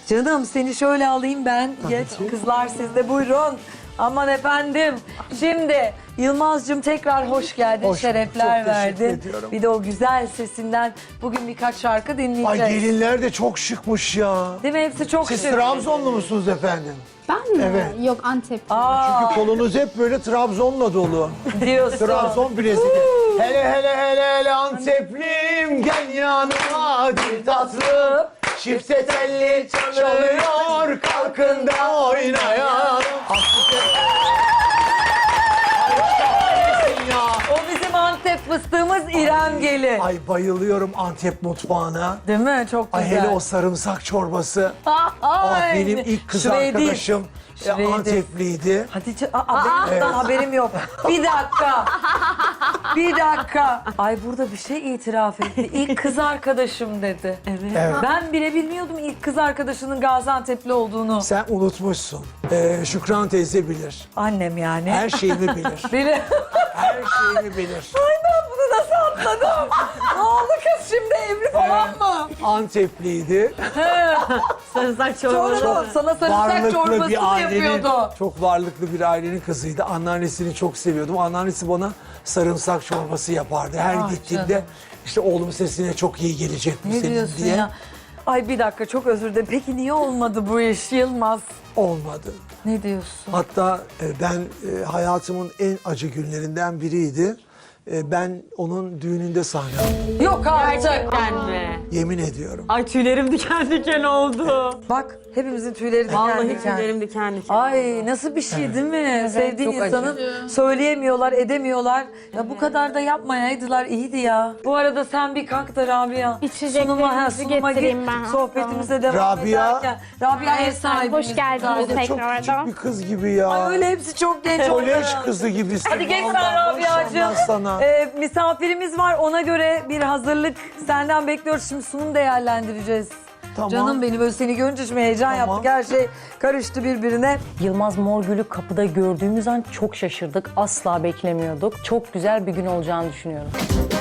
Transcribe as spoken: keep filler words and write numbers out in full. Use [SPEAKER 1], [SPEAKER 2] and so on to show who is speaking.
[SPEAKER 1] Canım seni şöyle alayım ben. Geç kızlar siz de buyurun. Aman efendim. Şimdi Yılmaz'cığım tekrar hoş geldin.
[SPEAKER 2] Hoş,
[SPEAKER 1] şerefler
[SPEAKER 2] çok teşekkür
[SPEAKER 1] verdin.
[SPEAKER 2] ediyorum.
[SPEAKER 1] Bir de o güzel sesinden bugün birkaç şarkı
[SPEAKER 2] Ay
[SPEAKER 1] dinleyeceğiz.
[SPEAKER 2] gelinler de çok şıkmış ya.
[SPEAKER 1] Değil mi? Hepsi çok
[SPEAKER 2] Siz
[SPEAKER 1] şık.
[SPEAKER 2] Trabzonlu musunuz efendim?
[SPEAKER 3] Ben mi?
[SPEAKER 2] Evet.
[SPEAKER 3] Yok Antep.
[SPEAKER 1] Aa,
[SPEAKER 2] Çünkü kolunuz hep böyle Trabzon'la dolu.
[SPEAKER 1] diyorsun.
[SPEAKER 2] Trabzon bilezik. Hele hele hele hele Anteplim gel yanıma dil tatlı. Çifte telli çalıyor kalkın da oynayalım. ya.
[SPEAKER 1] O bizim Antep fıstığımız İrem Gelin.
[SPEAKER 2] Ay bayılıyorum Antep mutfağına.
[SPEAKER 1] Değil mi? Çok
[SPEAKER 2] Ay
[SPEAKER 1] güzel.
[SPEAKER 2] hele o sarımsak çorbası. Ah
[SPEAKER 1] Ay,
[SPEAKER 2] benim ilk kız
[SPEAKER 1] şurayı değil.
[SPEAKER 2] arkadaşım e,
[SPEAKER 1] Şurayı değil.
[SPEAKER 2] Antepliydi.
[SPEAKER 1] Hatice, aa, benim bundan haberim yok. Bir dakika. Bir dakika. Ay burada bir şey itiraf etti. İlk kız arkadaşım dedi. Evet.
[SPEAKER 2] Evet.
[SPEAKER 1] Ben bile bilmiyordum ilk kız arkadaşının Gaziantep'li olduğunu.
[SPEAKER 2] Sen unutmuşsun. Ee, Şükran teyze bilir.
[SPEAKER 1] Annem yani.
[SPEAKER 2] Her şeyimi bilir.
[SPEAKER 1] Beni...
[SPEAKER 2] Her şeyimi bilir.
[SPEAKER 1] Ay ben bunu nasıl atladım? Ne oldu kız şimdi evli falan mı?
[SPEAKER 2] Antepliydi.
[SPEAKER 3] Sarımsak
[SPEAKER 1] Çorba. Sana sarımsak çorbası da yapıyordu.
[SPEAKER 2] çok varlıklı bir ailenin kızıydı. Anneannesini çok seviyordum. Anneannesi bana sarımsak çorbası yapardı. Her
[SPEAKER 1] Ah
[SPEAKER 2] gittiğimde
[SPEAKER 1] canım.
[SPEAKER 2] işte oğlum sesine çok iyi gelecek bu
[SPEAKER 1] Ne
[SPEAKER 2] senin
[SPEAKER 1] diyorsun
[SPEAKER 2] diye.
[SPEAKER 1] ya? Ay bir dakika çok özür dilerim. Peki niye olmadı bu iş Yılmaz?
[SPEAKER 2] Olmadı.
[SPEAKER 1] Ne diyorsun?
[SPEAKER 2] Hatta e, ben e, hayatımın en acı günlerinden biriydi. E, ben onun düğününde sahne aldım.
[SPEAKER 1] Yok artık.
[SPEAKER 3] Gerçekten mi?
[SPEAKER 2] Yemin ediyorum.
[SPEAKER 3] Ay tüylerim diken diken oldu.
[SPEAKER 1] Bak hepimizin tüyleri diken
[SPEAKER 3] Vallahi
[SPEAKER 1] diken.
[SPEAKER 3] tüylerim diken diken.
[SPEAKER 1] Ay nasıl bir şey değil mi? Sevdiğin
[SPEAKER 3] çok
[SPEAKER 1] insanın söyleyemiyorlar, edemiyorlar. Ya bu kadar da yapmayaydılar iyiydi ya. Bu arada sen bir kalk da Rabia.
[SPEAKER 4] İçeceklerinizi
[SPEAKER 1] Sunuma, ha, sunuma gir.
[SPEAKER 4] getireyim ben.
[SPEAKER 1] Sohbetimize devam
[SPEAKER 2] Rabia.
[SPEAKER 1] ederken. Rabia ev sahibimiz.
[SPEAKER 4] Hoş geldiniz
[SPEAKER 1] Ay,
[SPEAKER 2] Çok
[SPEAKER 4] tekrardan.
[SPEAKER 2] küçük bir kız gibi ya.
[SPEAKER 1] Ay öyle hepsi çok genç.
[SPEAKER 2] Kolej
[SPEAKER 1] onlar.
[SPEAKER 2] kızı gibisin.
[SPEAKER 1] Hadi geç sen
[SPEAKER 2] Vallahi
[SPEAKER 1] Rabia'cığım.
[SPEAKER 2] maşallah sana.
[SPEAKER 1] Ee, misafirimiz var ona göre bir hazırlık senden bekliyoruz. Şimdi sunum değerlendireceğiz.
[SPEAKER 2] Tamam.
[SPEAKER 1] Canım benim böyle seni görünce şimdi heyecan
[SPEAKER 2] Tamam.
[SPEAKER 1] yaptık. Her şey karıştı birbirine.
[SPEAKER 5] Yılmaz Morgül'ü kapıda gördüğümüz an çok şaşırdık. Asla beklemiyorduk. Çok güzel bir gün olacağını düşünüyorum.